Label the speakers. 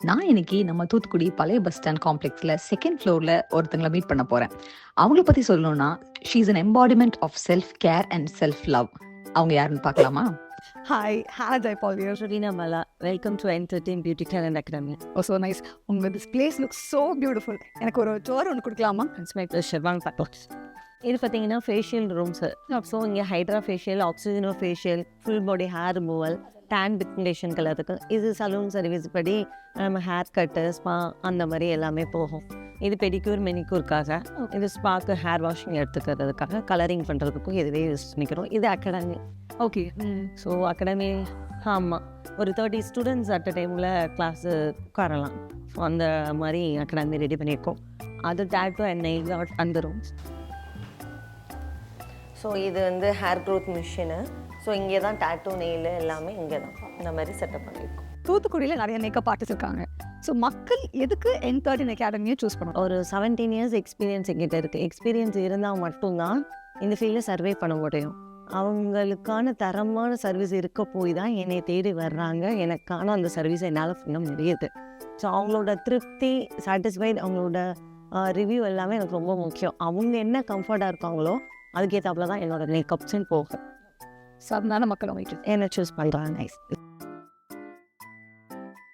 Speaker 1: நான் இன்னைக்கு நம்ம தூத்துக்குடி பழைய பஸ் ஸ்டாண்ட் காம்ப்ளெக்ஸ்ல செகண்ட் ஃப்ளோர்ல ஒருத்தங்கள மீட் பண்ண போறேன். அவங்கள பத்தி சொல்லணும்னா, she is an embodiment of self care and self love. அவங்க யாருன்னு பார்க்கலாமா?
Speaker 2: Hi, Hannah Jaipal here.
Speaker 3: Rina Mala, welcome to Entertain Beauty Talent Academy.
Speaker 2: Oh, so nice. This place looks so beautiful. எனக்கு ஒரு டோர் ஒன்று கொடுக்கலாமா?
Speaker 3: It's my pleasure. வாங்க பார்க்கலாம். இது பார்த்தீங்கன்னா ஃபேஷியல் ரூம்ஸ். ஸோ இங்கே ஹைட்ரா ஃபேஷியல், ஆக்சிஜனோ facial, full body hair removal, tan pigmentation கலருக்கு. இது சலூன் சர்வீஸ் படி நம்ம ஹேர் கட்டு, ஸ்பா அந்த மாதிரி எல்லாமே போகும். இது பெடிக்யூர் மெனிக்யூருக்காக, இது ஸ்பாக்கு ஹேர் வாஷிங் எடுத்துக்கிறதுக்காக, கலரிங் பண்ணுறதுக்கும் இதுவே யூஸ் பண்ணிக்கிறோம். இது அகாடமி.
Speaker 2: ஓகே.
Speaker 3: ஸோ அகாடமி ஆமாம், ஒரு 30 ஸ்டூடெண்ட்ஸ் அட் அ டைமில் கிளாஸு உட்காரலாம். ஸோ அந்த மாதிரி அகாடமி ரெடி பண்ணியிருக்கோம். அது டேட்டோ அண்ட் நெயில் ஆர்ட் அந்த ரூம்ஸ். ஸோ இது வந்து ஹேர் க்ரோத் மிஷினு. ஸோ இங்கே தான் டேட்டோ நெயில் எல்லாமே இங்கே தான் இந்த மாதிரி செட்டப் பண்ணியிருக்கோம்.
Speaker 2: தூத்துக்குடியில் நிறைய மேக்கப் ஆர்டிஸ்ட் இருக்காங்க. ஸோ மக்கள் எதுக்கு N13 அகாடமியை சூஸ் பண்ணணும்?
Speaker 3: ஒரு 17 இயர்ஸ் எக்ஸ்பீரியன்ஸ் எங்கிட்ட இருக்குது. எக்ஸ்பீரியன்ஸ் இருந்தால் மட்டும்தான் இந்த ஃபீல்டில் சர்வே பண்ண முடியும். அவங்களுக்கான தரமான சர்வீஸ் இருக்க போய் தான் என்னை தேடி வர்றாங்க. எனக்கான அந்த சர்வீஸை என்னால் பண்ண முடியுது. ஸோ அவங்களோட திருப்தி, சாட்டிஸ்ஃபைட், அவங்களோட ரிவ்யூ எல்லாமே எனக்கு ரொம்ப முக்கியம். அவங்க என்ன கம்ஃபர்ட்டாக இருக்காங்களோ அதுக்கேற்றாப்புல தான் என்னோட மேக்கப்ஸ்ன்னு போகும்.
Speaker 2: ஸோ அதனால மக்கள் அவங்க
Speaker 3: என்ன சூஸ் பண்ணுறாங்க. நைஸ்.